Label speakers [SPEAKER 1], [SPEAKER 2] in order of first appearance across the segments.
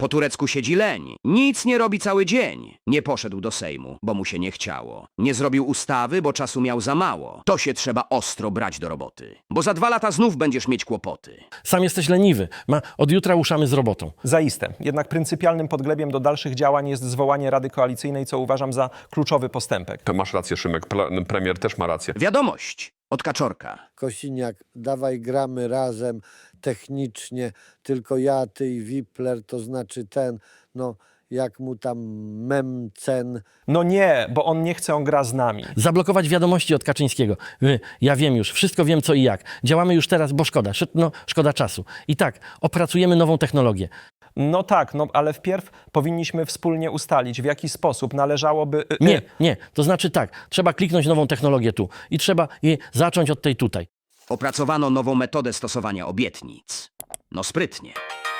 [SPEAKER 1] Po turecku siedzi leń. Nic nie robi cały dzień. Nie poszedł do Sejmu, bo mu się nie chciało. Nie zrobił ustawy, bo czasu miał za mało. To się trzeba ostro brać do roboty. Bo za 2 lata znów będziesz mieć kłopoty.
[SPEAKER 2] Sam jesteś leniwy. Od jutra ruszamy z robotą.
[SPEAKER 3] Zaiste. Jednak pryncypialnym podglebiem do dalszych działań jest zwołanie Rady Koalicyjnej, co uważam za kluczowy postępek.
[SPEAKER 4] To masz rację, Szymek. Premier też ma rację.
[SPEAKER 1] Wiadomość od Kaczorka.
[SPEAKER 5] Kosiniak, dawaj gramy razem, technicznie, tylko ja, ty i Wipler, to znaczy ten, no jak mu tam Memcen.
[SPEAKER 3] No nie, bo on nie chce, on gra z nami.
[SPEAKER 2] Zablokować wiadomości od Kaczyńskiego. Ja wiem już, wszystko wiem co i jak. Działamy już teraz, bo szkoda. Szkoda czasu. I tak, opracujemy nową technologię.
[SPEAKER 3] No tak, no ale wpierw powinniśmy wspólnie ustalić, w jaki sposób należałoby...
[SPEAKER 2] Nie. To znaczy tak, trzeba kliknąć nową technologię tu. I trzeba jej zacząć od tej tutaj.
[SPEAKER 1] Opracowano nową metodę stosowania obietnic. No sprytnie.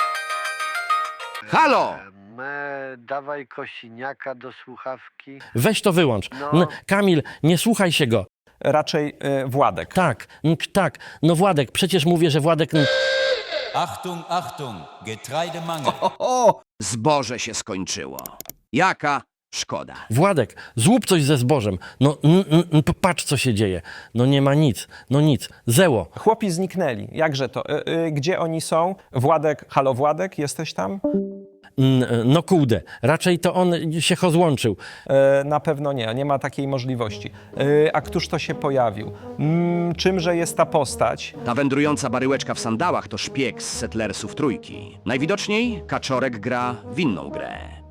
[SPEAKER 1] Halo!
[SPEAKER 5] Dawaj Kosiniaka do słuchawki.
[SPEAKER 2] Weź to wyłącz.
[SPEAKER 5] No.
[SPEAKER 2] Kamil, nie słuchaj się go.
[SPEAKER 3] Raczej Władek.
[SPEAKER 2] Tak. No Władek, przecież mówię, że Władek...
[SPEAKER 6] Achtung, Achtung, Getreidemangel.
[SPEAKER 1] Zboże się skończyło. Jaka szkoda.
[SPEAKER 2] Władek, zrób coś ze zbożem. Patrz co się dzieje. No nie ma nic. No nic. Zeło.
[SPEAKER 3] Chłopi zniknęli. Jakże to? Gdzie oni są? Władek, halo Władek, jesteś tam?
[SPEAKER 2] No kurde, raczej to on się rozłączył.
[SPEAKER 3] Na pewno nie ma takiej możliwości. A któż to się pojawił? Czymże jest ta postać?
[SPEAKER 1] Ta wędrująca baryłeczka w sandałach to szpieg z Settlersów Trójki. Najwidoczniej Kaczorek gra w inną grę.